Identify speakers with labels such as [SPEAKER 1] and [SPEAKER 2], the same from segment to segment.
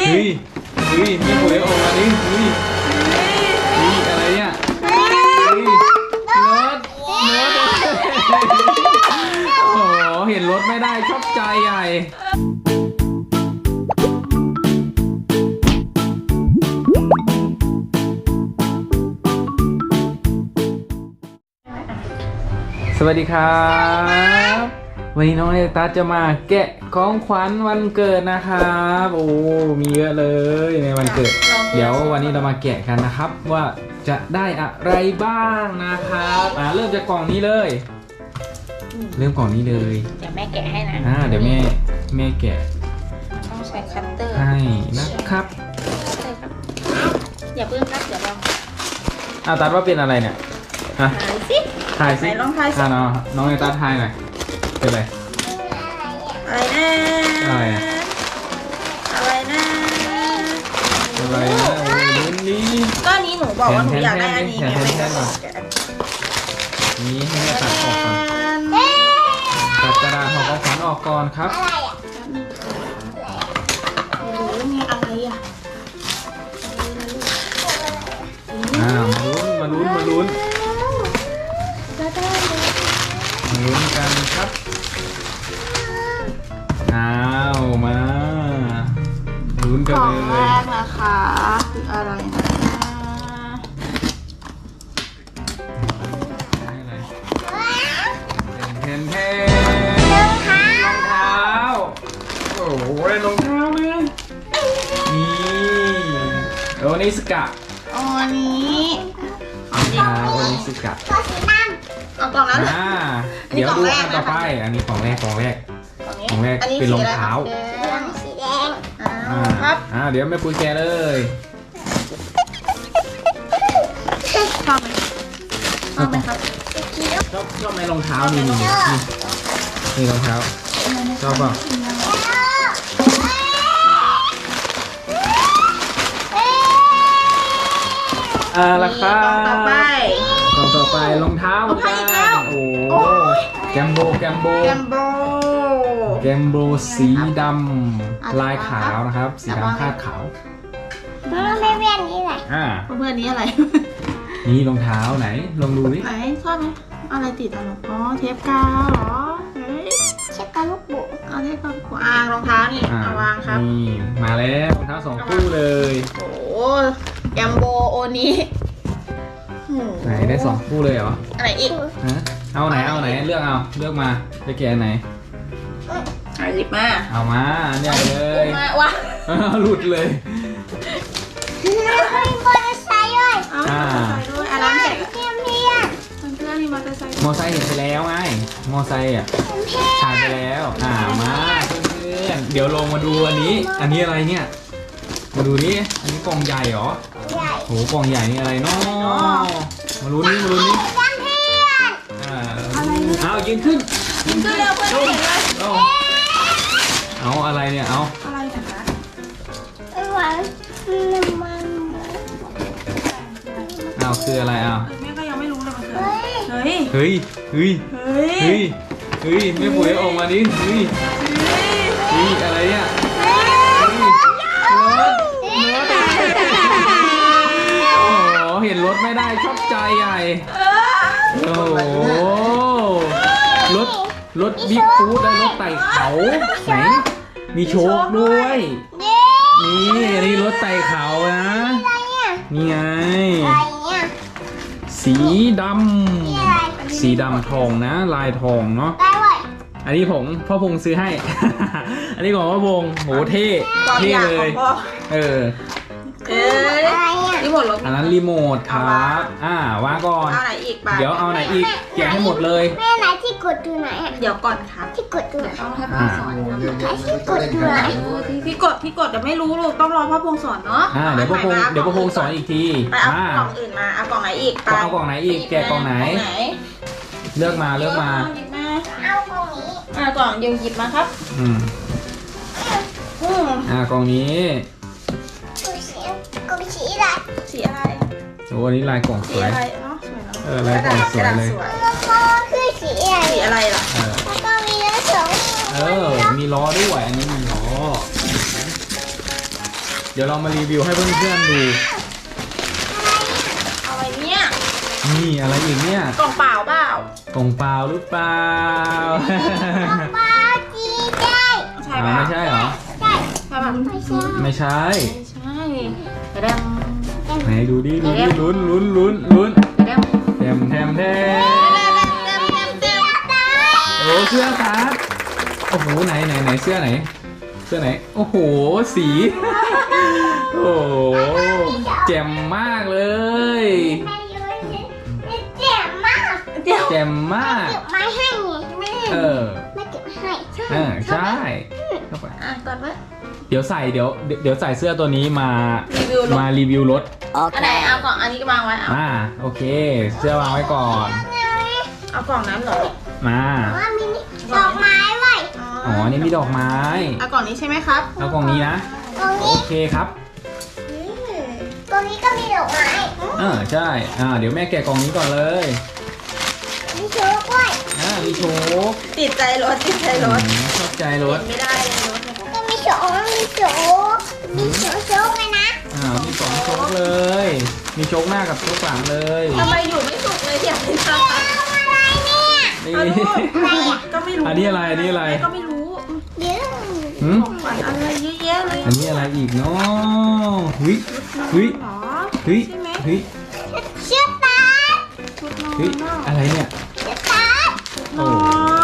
[SPEAKER 1] เฮ้ยเฮ้ยไม่ปุ๋ยออกมาดิเฮ้ยเฮ้ยอะไรเนี่ยเฮ้ยรถโอ้โหเห็นรถไม่ได้ชอบใจใหญ่สวัสดีครับวันนี้น้องเอตาจะมาแกะของขวัญวันเกิดนะครับโอ้มีเยอะเลยในวันเกิดเดี๋ยววันนี้เรามาแกะกันนะครับว่าจะได้อะไรบ้างนะครับเริ่มจากกล่องนี้เลยเริ่มกล่องนี้เลย
[SPEAKER 2] เดี๋ยวแม่แกะให้นะ
[SPEAKER 1] เดี๋ยวแม่แกะ
[SPEAKER 2] ต้องใช้คัตเตอร์
[SPEAKER 1] ให้นะครับ
[SPEAKER 2] ใช่ครับอย่าเพิ่งครับเดี๋ยวลอง
[SPEAKER 1] ตัดว่าเป็นอะไรเนี่ยฮะ
[SPEAKER 2] ถ่ายสิ
[SPEAKER 1] ถ่ายสิ
[SPEAKER 2] ไหนลองถ่ายสิ
[SPEAKER 1] น้องเอตาถ่ายหน่อยเป็นอะไร
[SPEAKER 2] อะไรนะ
[SPEAKER 1] อะไรอะ
[SPEAKER 2] อะไรนะ
[SPEAKER 1] อะไรนะโอ้ยลุ้นนี้
[SPEAKER 2] ก็นี้หนูบอกว่าหนูอยากได้อันนี้ไง
[SPEAKER 1] แทน
[SPEAKER 2] แม่
[SPEAKER 1] แท
[SPEAKER 2] ก็
[SPEAKER 1] น
[SPEAKER 2] บอก
[SPEAKER 1] แทน
[SPEAKER 2] แกะอัน
[SPEAKER 1] นี้ให้แม่ตัดออกก่อนตัดกระดาษห่อของขวัญออกก่อนครับ
[SPEAKER 2] ไม่รู้ไงอะไรอ่ะ
[SPEAKER 1] มาลุ้นกันครับมาลุ้นกัน
[SPEAKER 2] ของ
[SPEAKER 1] เล
[SPEAKER 2] แร
[SPEAKER 1] ย
[SPEAKER 2] กนะคะคืออะไรนะ
[SPEAKER 1] แทนรองเท้าโอ้โหได้รองเท้าเลยนี่โอนิสกะ
[SPEAKER 2] อันนี้
[SPEAKER 1] รองเท้าโอนิสกะ
[SPEAKER 2] เอากล่องนั้น
[SPEAKER 1] เดี๋ยวดูอันต่อไปอันนี้ของแรกของแรกเป็นรองเท้า
[SPEAKER 2] สีแดงครับ
[SPEAKER 1] เดี๋ยวแม่ปุ้ยแกะเลย
[SPEAKER 2] ชอบไหมชอบไหมครับ
[SPEAKER 1] ชอบไหมรองเท้านี่รองเท้าชอบเปล่าราคาก
[SPEAKER 2] ล่องต่อไป
[SPEAKER 1] รองเท้าเหมือนกันโอ้แกมโบสีดำลายขาวนะครับสีดำคาดขาว
[SPEAKER 3] ไม่เวียนนี่แหละ
[SPEAKER 2] เพื่อนนี้อะไร
[SPEAKER 1] นี่รองเท้าไหนลองดูดิ
[SPEAKER 2] ไหนชอบไหมอะไรติดอ่ะหรออ๋อเทปกาวเหรอเฮ้ย
[SPEAKER 3] เช็คกับลูกบุ
[SPEAKER 2] เอาเทปกาวรองเท้านี่เอาวางครับ
[SPEAKER 1] นี่มาแล้วรองเท้า2 คู่เลย
[SPEAKER 2] โอ้แกมโบโอนี้
[SPEAKER 1] ไหนได้2 คู่เลยเหรอ
[SPEAKER 2] อะไรอีก
[SPEAKER 1] เอาไหนเลือกมาจะแกะไหน
[SPEAKER 2] หยิบมา
[SPEAKER 1] เอามาอันใหญ่เลย
[SPEAKER 2] มาว้า
[SPEAKER 1] หลุดเลย
[SPEAKER 3] มีมอเตอร์ไซค์ด้วย
[SPEAKER 2] เอาใส่ด้วยอันนั้นเสร็จ
[SPEAKER 3] เพียงเพียง
[SPEAKER 2] เพื่อนๆนี่มอเตอร์ไซค์
[SPEAKER 1] มอไซค์เห็นไปแล้วไงมอไซค์ถ่ายไปแล้วมาเพื่อนๆเดี๋ยวลงมาดูอันนี้อะไรเนี่ยมาดูนี่อันนี้กล่องใหญ่เหรอ
[SPEAKER 3] ใหญ่
[SPEAKER 1] โหกล่องใหญ่นี่อะไรเนาะมาลุ้นนี่
[SPEAKER 3] เพียง
[SPEAKER 1] เอายืนขึ้น
[SPEAKER 2] ขึ้นเร็วเพื่อนเห็นเลย
[SPEAKER 1] เอาอะไรเนี่ยเอา
[SPEAKER 2] อะไรนะคะ
[SPEAKER 3] หวานน้ำมัน
[SPEAKER 1] เอาคืออะไรเอา
[SPEAKER 2] แม่ก็ยังไม่รู้เลยมันคืออะไรเฮ้ย
[SPEAKER 1] เฮ้ย
[SPEAKER 2] เฮ้ย
[SPEAKER 1] ไม่ปุ๋ยออกมาดิเฮ้ยอะไรเนี่ยโอ้โหเห็นรถไม่ได้ชอบใจใหญ่โอ้โหรถบิ๊กฟูดและรถไต่เขาไหนมีโชคด้วย
[SPEAKER 3] เย้
[SPEAKER 1] นี่รถไต่เขานะนี่ไง
[SPEAKER 3] อะไรเนี่ย
[SPEAKER 1] สีดำทองนะลายทองเนาะ
[SPEAKER 3] ได้เว้ย
[SPEAKER 1] อันนี้พ่อพงซื้อให้ อันนี้ของพ่อพงโหเท่เลยเออ
[SPEAKER 3] อะไรเนี่ย
[SPEAKER 2] รีโมทรถ
[SPEAKER 1] อันนั้นรีโมทครับวางก่อน
[SPEAKER 2] เอาไหนอีกบ้าง
[SPEAKER 1] เดี๋ยวเอาไหนอีกแกะให้หมดเลย
[SPEAKER 3] แม่ไหนที่กดดูไหนอ่ะ
[SPEAKER 2] เดี๋ยวก่อนครับ
[SPEAKER 3] ที่กดดูไหน
[SPEAKER 2] ต้องให้พ่อสอนครับ
[SPEAKER 3] ไหนที่กดดูไหน
[SPEAKER 2] พี่กดเดี๋ยวไม่รู้ลูกต้องรอพ่อพงสอนเนาะ
[SPEAKER 1] เดี๋ยวพ่อพงสอนอีกที
[SPEAKER 2] ไปเอากล่องอื่นมาเอากล่องไหนอีก
[SPEAKER 1] เอากล่องไหนอีกแกะกล่องไหนเลือกมา
[SPEAKER 2] หยิบมา
[SPEAKER 3] เอาตรงนี้
[SPEAKER 2] กล่องยังหยิบมาครับ
[SPEAKER 1] กล่องนี้
[SPEAKER 3] กูสีอะไร
[SPEAKER 2] สีอะไร
[SPEAKER 1] โอ้อันนี้ลายกล่องส
[SPEAKER 2] สี
[SPEAKER 1] วย
[SPEAKER 2] อะไรเนาะสวยเนาะ
[SPEAKER 1] ลายกล่องสวยเลย
[SPEAKER 3] แล้วก็คือสีอะไร
[SPEAKER 2] สีอะไรล่ะ
[SPEAKER 3] แล้วก็มีเนื้อสอง
[SPEAKER 1] มีล้อด้วยอันนี้มีล้อเดี๋ยวเรามารีวิวให้เพื่อนๆดู
[SPEAKER 2] อะไรเนี่ย
[SPEAKER 1] นี่อะไรอีกเนี่ย
[SPEAKER 2] กล่องเปล่าเปล่าก
[SPEAKER 1] ล่องเปล่าหรือเปล่า
[SPEAKER 3] ปลาจีได้
[SPEAKER 2] ใช่
[SPEAKER 1] อ่า
[SPEAKER 2] ป่ะ
[SPEAKER 1] ไม่ใช่เหรอ
[SPEAKER 3] ได้
[SPEAKER 2] ใช่ป่ะ
[SPEAKER 3] ไม่ใช่
[SPEAKER 1] ไม่ใช่
[SPEAKER 2] ไม่ใช่กระเดม
[SPEAKER 1] ไหนดูดิดูดิลุ้นลุ้นลุ้นลุ้น
[SPEAKER 2] กระเดม
[SPEAKER 1] แถมแถมแถมโอ้เสื้อครับโอ้โหไหนไหนไหนเสื้อไหน เสื้อไหนโอ้โหสีโอ้โหแจ่มมากเลย
[SPEAKER 3] ไม่รู้เลยเจ็บมาก
[SPEAKER 2] เดี๋ยว
[SPEAKER 1] แจ่มมาก
[SPEAKER 3] เก็บไม้ให้ไง
[SPEAKER 1] เออ
[SPEAKER 3] ไม่เก็บให้
[SPEAKER 1] ใช่เข้าไป
[SPEAKER 2] อ่ะก่อนว่า
[SPEAKER 1] เดี๋ยวใส่เดี๋ยวใส่เสื้อตัวนี้มา
[SPEAKER 2] รีวิวรถ
[SPEAKER 1] มารีวิวรถ
[SPEAKER 2] อันไหนเอากล่องอันนี้ก็วางไว้เอา
[SPEAKER 1] โอเค เสื้อวางไว้ก่อน
[SPEAKER 2] เอากล่องนั้นเหรอ
[SPEAKER 1] มา
[SPEAKER 3] ว่ามีนี่ดอกไม้ไว้
[SPEAKER 1] อ๋อนี่มีดอกไม้
[SPEAKER 2] เอากล่องนี้ใช่ไหมครับ
[SPEAKER 1] เอากล่องนี้นะ
[SPEAKER 3] ตรง
[SPEAKER 1] โอ
[SPEAKER 3] นี้
[SPEAKER 1] เคครับ
[SPEAKER 3] ตรงนี้ก็มีดอกไม้
[SPEAKER 1] ใช่เดี๋ยวแม่แกะกล่องนี้ก่อนเลย
[SPEAKER 3] มีโชว์ด้วย
[SPEAKER 1] มีโชค
[SPEAKER 2] ติดใจรถติดใจรถ
[SPEAKER 1] ชอบใจรถ
[SPEAKER 2] ไม่ได้เลยรถเนี่ย
[SPEAKER 3] ก็มีโชว์มีโชว์มีโชว์เลยนะ
[SPEAKER 1] มีสองโชคเลย มีโชคหน้ากับโชคหลังเลย
[SPEAKER 2] ทำไมอยู่ไม่สุกเลยอยากให้ทำ
[SPEAKER 3] เอาอะไรเนี่ย
[SPEAKER 1] นี่
[SPEAKER 2] เอาลูก
[SPEAKER 3] อะไรอ่ะ
[SPEAKER 2] ก็ไม่รู้
[SPEAKER 1] อันนี้อะไรอันนี้อะไร
[SPEAKER 2] แม่ก็ไม่รู้
[SPEAKER 3] เดี๋ยว
[SPEAKER 1] หืม
[SPEAKER 2] ของขวัญอะไรเยอะแยะเลย
[SPEAKER 1] อันนี้อะไรอีกเนาะเฮ้ยเฮ้ย
[SPEAKER 2] หรอ
[SPEAKER 1] เฮ้ย
[SPEAKER 2] ใช่ไหม
[SPEAKER 1] เฮ้ย
[SPEAKER 3] เชือกตา
[SPEAKER 2] ชุดนอน
[SPEAKER 1] เฮ้ย
[SPEAKER 2] เนอะ
[SPEAKER 1] อะไรเนี่ย
[SPEAKER 3] เชือกตาน
[SPEAKER 2] อน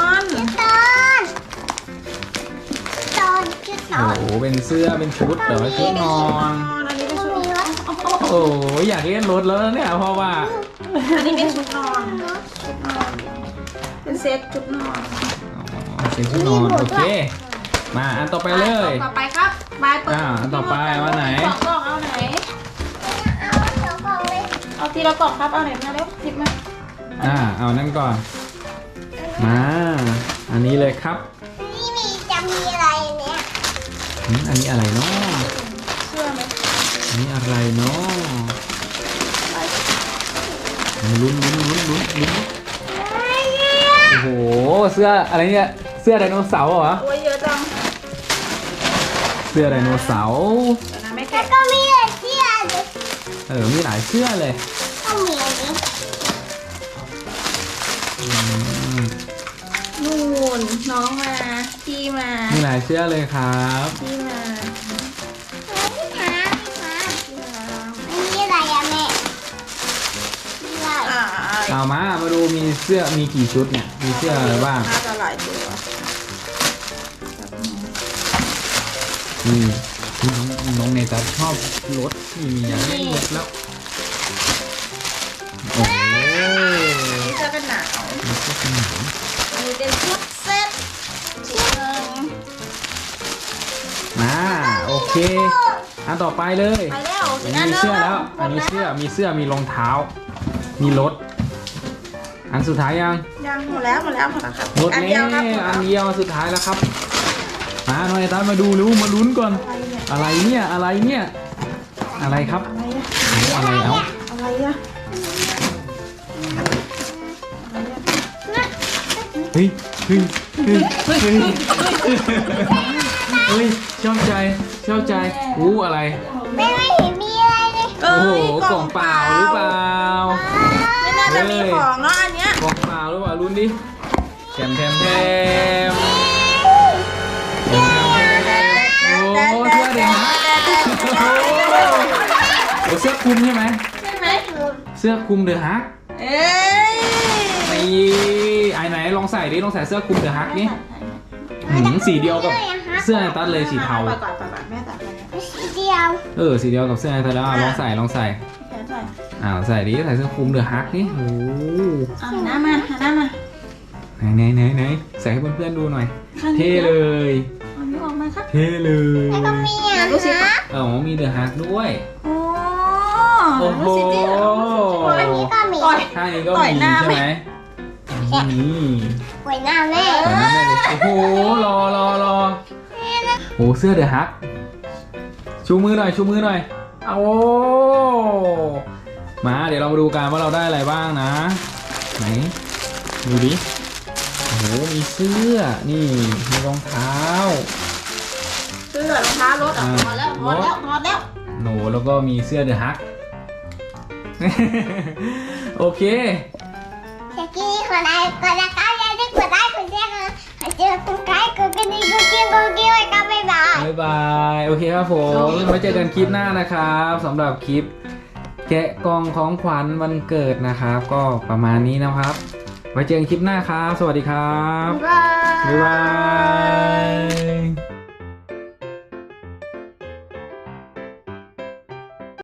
[SPEAKER 3] ตอนเชือกต
[SPEAKER 1] โอ้
[SPEAKER 3] อน
[SPEAKER 1] โหเป็นเสื้อเป็นชุดเหรอชุดนอน
[SPEAKER 2] อันนี้เป็น
[SPEAKER 3] ก็
[SPEAKER 2] ชุด
[SPEAKER 3] มีวะ
[SPEAKER 1] โอ้โหอยากเล่นรถแล้วเนี่ยเพราะว่า
[SPEAKER 2] อันนี้เป็นชุดนอนชุดนอนเป็นเซ็ตชุดนอน
[SPEAKER 1] เป็นชุดนอนโอเค มาอันต่อไปเลย
[SPEAKER 2] ต่อไปครับบายเปิด
[SPEAKER 1] อันต่อไปว่าไหน
[SPEAKER 2] กล่องเอาไหน
[SPEAKER 3] เอาเชือกกองเลย
[SPEAKER 2] เอาทีละกล่องครับเอาไหนมาเร็วหยิบมา
[SPEAKER 1] เอานั่นก่อน มา อันนี้เลยครับ
[SPEAKER 3] นี่มีจะมีอะไรเนี่ย
[SPEAKER 1] อันนี้อะไรเนาะ
[SPEAKER 2] เชื่อไหม
[SPEAKER 1] อันนี้อะไรเนาะลุ้นโอ้โหเสื้ออะไรเนี่ยเสื้อไดโนเสาร์เหรอ
[SPEAKER 2] โอ้ยเยอะจัง
[SPEAKER 1] เสื้อไดโนเสาร์
[SPEAKER 2] เดี๋ยวนะแม่
[SPEAKER 3] แล้ว
[SPEAKER 2] แกะ
[SPEAKER 3] ก็มีอะไรเชือกด้วย
[SPEAKER 1] มีหลายเสื้อเลย
[SPEAKER 3] ก็มีอันนี้
[SPEAKER 1] อืม
[SPEAKER 2] นู่นน้องมาพี่มา
[SPEAKER 1] มีหลายเสื้อเลยครับ
[SPEAKER 2] พี่มา
[SPEAKER 3] พี่ท้าอันนี้อะไรอะแม่มีอะไร
[SPEAKER 2] อ่า
[SPEAKER 1] มาดูมีเสื้อมีกี่ชุดเนี่ยมีเสื้ออะไรบ้าง
[SPEAKER 2] น่าจะหลายตัว
[SPEAKER 1] นี่น้องเนตัสชอบรถนี่มีอย่างนี้รถแล้วโอ้โห
[SPEAKER 2] นี่จะเป็นหนาว
[SPEAKER 1] มีเสื้อกันหนาว
[SPEAKER 2] อันนี้เป็นชุดเซ็ตชุดหนึ่ง
[SPEAKER 1] มาโอเคอันต่อไปเลย
[SPEAKER 2] ไปแล้ว
[SPEAKER 1] อันนี้มีเสื้อแล้วอันนี้เสื้อมีรองเท้า มีรถอันสุดท้ายยัง
[SPEAKER 2] ยังหมดแล้วครับ
[SPEAKER 1] รถ
[SPEAKER 2] อัน
[SPEAKER 1] แน่
[SPEAKER 2] เดียวครับ
[SPEAKER 1] อันเดียวสุดท้ายแล้วครับมาหน่อยตามมาดูรู้มาลุ้นก่อน อะไรเนี่ยอะไรครับ
[SPEAKER 2] อะไรอะ
[SPEAKER 1] อะไรเอา
[SPEAKER 2] อะไรอะ
[SPEAKER 1] เฮ้ยชอบใจอะไร
[SPEAKER 3] แม่ไม่เห็นมีอะไรเลย
[SPEAKER 1] โอ้โหกล่องเปล่าหรือเปล่า
[SPEAKER 2] ไม่น่าจะมีของเนาะอันเนี้ย
[SPEAKER 1] กล่องเปล่าหรือเปล่าลุ้นดิแถมโอ้เสื้อเด็กนะโอ้เสื้อคลุมใช่ไหม
[SPEAKER 2] ใช่ไหม
[SPEAKER 1] เสื้อคลุมเดอะฮัก
[SPEAKER 2] เอ้ย
[SPEAKER 1] นี่ไอ้ไหนลองใส่ดิลองใส่เสื้อคลุมเดอะฮักนี่สีเดียวกับเสื้อไอตัดเลยสีเทา
[SPEAKER 2] ไปก่อนแม่ตัดไปแล้ว
[SPEAKER 3] สีเดียว
[SPEAKER 1] สีเดียวกับเสื้อไอตัดแล้วลองใส่
[SPEAKER 2] แขนใส่
[SPEAKER 1] ใส่ดิใส่เสื้อคลุมเดอะฮักนี่โอ้
[SPEAKER 2] หันหน้ามา
[SPEAKER 1] ไหนใส่ให้เพื่อนๆดูหน่อย
[SPEAKER 2] ข้างนี้
[SPEAKER 1] เท่เลย
[SPEAKER 2] อันนี้ออกมาครับ
[SPEAKER 1] เท่เลย
[SPEAKER 3] แล้วก็มีอ่ะ
[SPEAKER 2] ดูสิ
[SPEAKER 3] ฮะ
[SPEAKER 1] มีเดอะฮักด้วย
[SPEAKER 2] โอ้
[SPEAKER 1] โอ้โห
[SPEAKER 2] ดูสิดิ
[SPEAKER 3] อันนี้ก็มี
[SPEAKER 2] ต่อย
[SPEAKER 1] ข้างนี้ก็
[SPEAKER 2] ต่อย
[SPEAKER 1] มี
[SPEAKER 2] หน้า
[SPEAKER 1] ใช่ไหมนี่
[SPEAKER 3] ไว้หน้าแม่
[SPEAKER 1] ต่อยหน้าแม่เลยโอ้โหรอโอ้เสื้อเดอะฮักชูมือหน่อยเอามาเดี๋ยวเรามาดูกันว่าเราได้อะไรบ้างนะไหนดูดิโอ้โหมีเสื้อนี่มีรองเท้า
[SPEAKER 2] เสื้อรองเท้ารถอ่ะพอแล้วถอดแล้วถอดแล้ว
[SPEAKER 1] หนูแล้วก็มีเสื้อเดอะฮัก โอเค
[SPEAKER 3] เมื่อกี้คนไหนก็จะก้าวยันได้กดได้กดแชร์กดเจอคุณไก่กดกระดิ่งกดกิ้งกดกิ้งไว้ก็บ๊ายบาย
[SPEAKER 1] บ๊ายบาย โอเคครับผมไว้เจอกันคลิปหน้านะครับสำหรับคลิป แกะกล่องของขวัญวันเกิดนะครับ ก็ประมาณนี้นะครับ ไว้เจอกันคลิปหน้าครับ สวัสดีครับ
[SPEAKER 2] บ๊ายบาย
[SPEAKER 1] บ๊ายบาย